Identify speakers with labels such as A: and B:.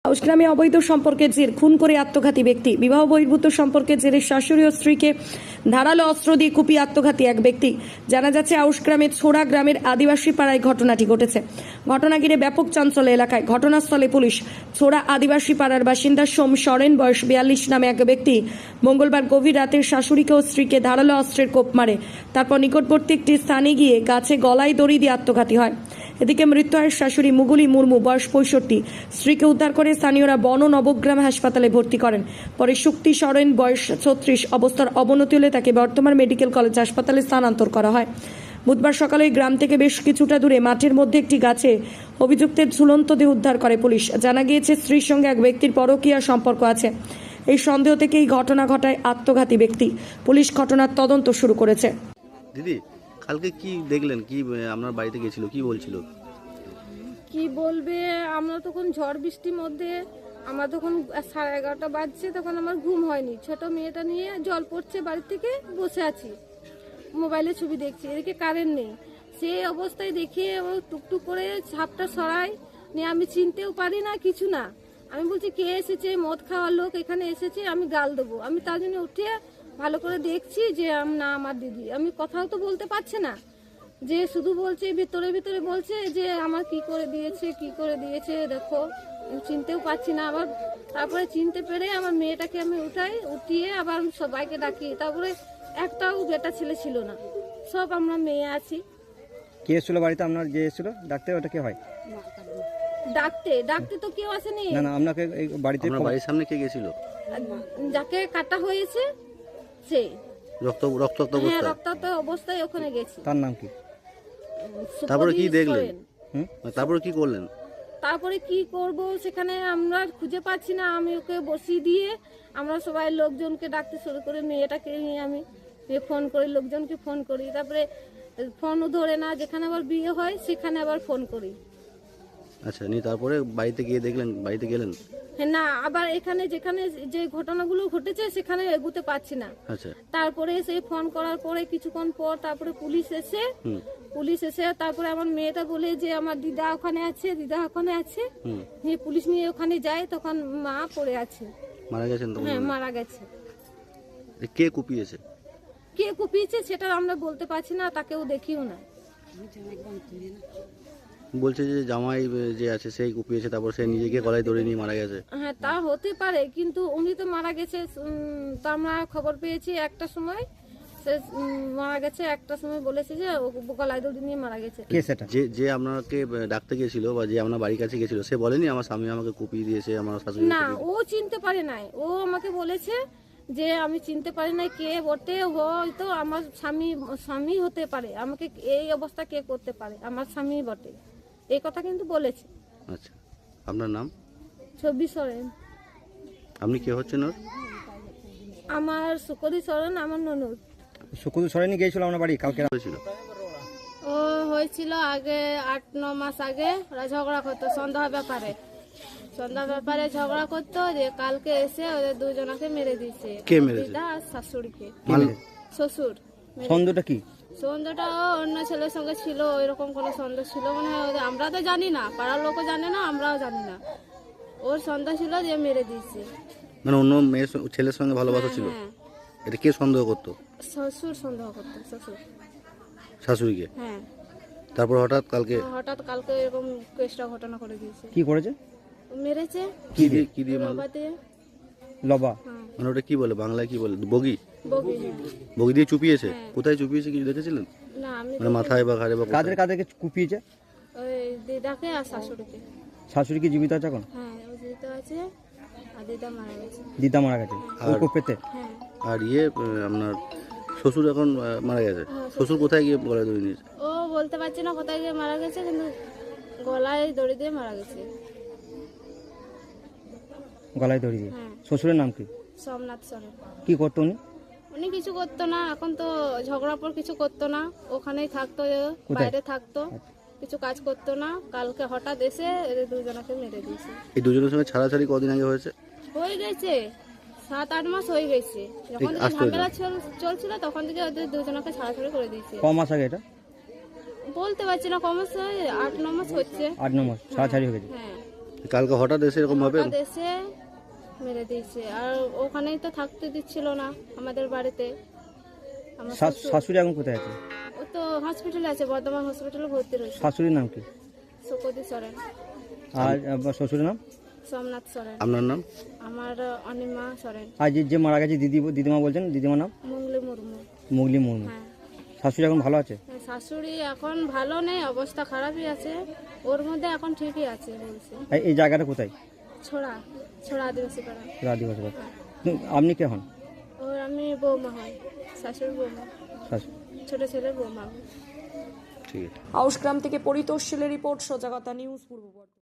A: আউশগ্রামে অবৈধ সম্পর্কের জের খুন করে আত্মঘাতী ব্যক্তি। বিবাহ বহির্ভূত সম্পর্কের জেরে শাশুড়ি ও স্ত্রীকে ধারালো অস্ত্র দিয়ে কুপিয়ে আত্মঘাতী এক ব্যক্তি। জানা যাচ্ছে আউশগ্রামের ছোড়া গ্রামের আদিবাসী পাড়ায় ঘটনাটি ঘটেছে। ঘটনা ঘিরে ব্যাপক চাঞ্চল্য এলাকায়। ঘটনাস্থলে পুলিশ। ছোড়া আদিবাসী পাড়ার বাসিন্দা সোম সরেন বয়স 42 নামে এক ব্যক্তি মঙ্গলবার গভীর রাতে শাশুড়িকে ও স্ত্রীকে ধারালো অস্ত্রের কোপ মারে। তারপর নিকটবর্তী একটি স্থানে গিয়ে গাছে গলায় দড়ি দিয়ে আত্মঘাতী হয়। এদিকে মৃত্যু হয় শাশুড়ি মুগুলি মুর্মু বয়স 65। স্ত্রীকে উদ্ধার করে স্থানীয়রা বন নবগ্রাম হাসপাতালে ভর্তি করেন। পরে শুক্তি সরেন বয়স 36 অবস্থার অবনতি হলে তাকে বর্তমান মেডিকেল কলেজ হাসপাতালে স্থানান্তর করা হয়। বুধবার সকালে গ্রাম থেকে বেশ কিছুটা দূরে মাঠের মধ্যে একটি গাছে অভিযুক্তের ঝুলন্ত দেহ উদ্ধার করে পুলিশ। জানা গিয়েছে স্ত্রীর সঙ্গে এক ব্যক্তির পরকীয়া সম্পর্ক আছে। এই সন্দেহ থেকে এই ঘটনা ঘটায় আত্মঘাতী ব্যক্তি। পুলিশ ঘটনার তদন্ত শুরু করেছে।
B: দিদি, কালকে কি দেখলেন? কি আপনার বাড়িতে গেছিল, কি বলছিল?
C: কি বলবে, আমরা তখন ঝড় বৃষ্টির মধ্যে, আমার তখন 11:30 বাজছে, তখন আমার ঘুম হয়নি। ছোট মেয়েটা নিয়ে জল পড়ছে, বাড়ি থেকে বসে আছি, মোবাইলে ছবি দেখছি, এদিকে কারেন্ট নেই। সেই অবস্থায় দেখে ও টুকটুক করে ছাপটা সরাই নিয়ে, আমি চিনতেও পারি না, কিছু না। আমি বলছি কে এসেছে, মদ খাওয়ার লোক এখানে এসেছে, আমি গাল দেবো। আমি তার জন্য উঠে ভালো করে দেখছি যে না আমার দিদি। আমি কথাও তো বলতে পারছে না, যে শুধু বলছে ভিতরে ভিতরে বলছে যে আমার কি করে দিয়েছে দেখো। আমি চিনতেও পারছি না। আবার তারপরে চিনতে পেরে আমার মেয়েটাকে আমি উঠিয়ে আবার সবাইকে ডাকি। তারপরে একটাও বেটা ছেলে ছিল না, সব আমরা মেয়ে আছি।
D: কে এসেছিল বাড়িতে? আপনার যে এসেছিল ডাকতে, ওটা কে হয়?
C: ডাকতে তো কেউ আসেনি।
D: না না, আপনাকে এই বাড়িতে,
B: আপনার বাড়ির সামনে কে গেছিল?
C: যাকে কাটা হয়েছে সে
B: রক্তাক্ত
C: হ্যাঁ,
B: অবস্থায়?
C: রক্তাক্ত অবস্থায় ওখানে গেছে।
D: তার নাম কি?
B: তারপরে কি দেখলেন?
D: হুম,
B: তারপরে কি করলেন?
C: তারপরে কি করব, সেখানে আমরা খুঁজে পাচ্ছি না। আমি ওকে বসিয়ে দিয়ে আমরা সবাই লোকজনকে ডাকতে শুরু করি। মেয়েটাকে নিয়ে আমি ফোন করি, লোকজনকে ফোন করি। তারপরে ফোনও ধরে না, যেখানে আবার বিয়ে হয় সেখানে আবার ফোন করি।
B: আচ্ছা, নিয়ে তারপরে বাড়িতে গিয়ে দেখলেন, বাড়িতে গেলেন?
C: হ্যাঁ, না, আবার এখানে যেখানে যে ঘটনাগুলো ঘটেছে সেখানে এগুতে পারছি না।
B: আচ্ছা,
C: তারপরে সেই ফোন করার পরে কিছুক্ষণ পর তারপরে পুলিশ এসে তারপরে আমার মেয়েটা বলে যে আমার দিদা ওখানে আছে। পুলিশ নিয়ে ওখানে যায়, তখন মা পড়ে আছে।
B: মারা গেছেন তো?
C: হ্যাঁ, মারা গেছে।
B: কে কুপিয়েছে?
C: কে কুপিয়েছে সেটা আমরা বলতে পারছি না, তাকেও দেখিও না।
B: বলছে যে জামাই যে আছে সেই কুপিয়েছে, তারপর সে নিজেকে গলায় দড়ি নিয়ে মারা গেছে।
C: হ্যাঁ, তা হতে পারে, কিন্তু উনি তো মারা গেছে। তা আমরা খবর পেয়েছি 1টার সময় সে মারা গেছে। 1টার সময় বলেছে যে ও গলায় দড়ি নিয়ে মারা গেছে।
D: কে সেটা?
B: যে আপনাকে ডাকতে গেছিল বা যে আপনার বাড়ির কাছে গেছিল, সে বলেনি আমার স্বামী আমাকে কুপিয়ে দিয়েছে, আমার শাশুড়ি?
C: না, ও চিনতে পারে নাই। ও আমাকে বলেছে যে আমি চিনতে পারি না কে বটে, হয়তো আমার স্বামী হতে পারে, আমাকে এই অবস্থা কে করতে পারে, আমার স্বামী বটে, এই কথা কিন্তু বলেছে।
B: আচ্ছা, আপনার নাম?
C: 26 সরেন।
B: আপনি কে হচ্ছেন ওর?
C: আমার সুকরি সরেন, আমার ননদ।
D: শুকুর সরেনি গিয়েছিল আপনার বাড়ি কালকে?
B: হয়েছিল?
C: ও হয়েছিল আগে 8-9 মাস আগে। ওরা ঝগড়া করতো সন্ধ্যা ব্যাপারে ঝগড়া করতো। যে কালকে এসে ওদের দুজনকে মেরে দিয়েছে।
B: কে মেরেছে?
C: দিদা আর শাশুড়িকে। শ্বশুর।
D: সন্দেহটা কি?
C: সন্দেহটা অন্য ছেলের সঙ্গে ছিল, ওইরকম কোনো সন্দেহ ছিল মনে হয়। আমরা তো জানি না, পাড়ার লোকও জানে না, আমরাও জানি না। ওর সন্দেহ ছিল যে মেরে দিয়েছে।
B: মানে অন্য মেয়ের ছেলের সঙ্গে ভালোবাসা ছিল?
C: হ্যাঁ,
B: এটা কে সন্দেহ করতো?
C: শ্বশুর সন্দেহ করতো, শ্বশুর।
B: শাশুড়িকে?
C: হ্যাঁ,
B: তারপর হঠাৎ কালকে
C: এরকম কেসটা ঘটনা করে দিয়েছে।
D: কি করেছে?
C: মেরেছে
B: কি দিয়ে মারলো?
C: লবা দিয়ে।
D: লবা?
C: হ্যাঁ,
B: মানে ওটা কি বলে, বাংলায় কি বলে? বগি?
C: বগি।
B: বগি দিয়ে চুপিয়েছে?
C: হ্যাঁ।
B: কোথায় চুপিয়েছে কিছু দেখেছিলেন?
C: না, আমি
B: মানে মাথায় বা ঘাড়ে বা কোথায়?
D: কাদেরকে কুপিয়েছে?
C: ওই দিদাকে আর শাশুড়িকে।
D: শাশুড়ি কি জীবিত আছে এখন?
C: হ্যাঁ, ও জীবিত আছে, আর দিদা মারা গেছে।
D: দিদা মারা গেছে ওই কোপেতে?
C: হ্যাঁ,
B: আর আপনার শ্বশুর এখন মারা গেছে? শ্বশুর কোথায় গিয়ে গলায় দড়ি নিয়েছে?
C: ও বলতে পারছি না কোথায় গিয়ে মারা গেছে, কিন্তু গলায় দড়ি দিয়ে মারা গেছে।
D: গলায় দড়ি দিয়ে?
C: হ্যাঁ।
D: শ্বশুরের নাম কি?
C: সোমনাথ সরেন।
D: কি করতো উনি?
C: উনি কিছু করতো না, এখন তো ঝগড়ার পর কিছু করতো না, ওখানেই থাকতো, বাইরে থাকতো, কিছু কাজ করতো না। কালকে হঠাৎ এসে এদের দুজনকে মেরে দিয়েছে।
B: এই দুজনের সঙ্গে ছাড়াছাড়ি কদিন আগে হয়েছে?
C: হয়ে গেছে 7-8 মাস হয়ে গেছে। যখন থেকে ঝামেলা চলছিল তখন থেকে ওদের দুজনকে ছাড়াছাড়ি করে দিয়েছে।
D: ক মাস আগে এটা?
C: বলতে পারছি না, কমাস 8-9 মাস হচ্ছে।
D: 8-9 মাস ছাড়াছাড়ি হয়ে গেছে।
C: হ্যাঁ,
B: কালকে হঠাৎ এসে এরকম ভাবে
E: হঠাৎ এসে মেরে দিয়েছে। আর ওখানেই তো থাকতে দিচ্ছিল না আমাদের বাড়িতে। আমার শ্বশুর-
D: শাশুড়ি এখন কোথায় আছে?
E: ও তো হসপিটালে আছে, বর্ধমান হসপিটালে ভর্তি রয়েছে।
D: শাশুড়ির নাম কি?
E: সুকতি সরেন,
D: আর আপনার শ্বশুরের নাম?
E: সোমনাথ সরেন,
B: আপনার নাম?
E: আমার অনিমা সরেন,
D: আর যে মারা গেছে দিদিমা বলছেন, দিদিমার নাম?
E: মুঙ্গলি মুর্মু।
D: মুগলি মুর্মু।
E: হ্যাঁ,
D: শাশুড়ি এখন ভালো আছে?
E: শাশুড়ি এখন ভালো নেই, অবস্থা খারাপই আছে। ওর মধ্যে এখন ঠিকই আছে বলছে।
D: এই জায়গাটা কোথায়?
E: ছোড়া ছোড়া আদিবাসী পাড়া।
D: আদিবাসী পাড়া। আপনি কে হন?
E: ওর আমি বৌমা হই, শাশুড়ি বৌমা,
D: শাশুড়ি।
E: ছোট ছেলে বৌমা।
B: ঠিক আছে।
A: আউশগ্রাম থেকে পরিতোষ শীলের রিপোর্ট, সজাগতা নিউজ, পূর্ব বর্ধমান।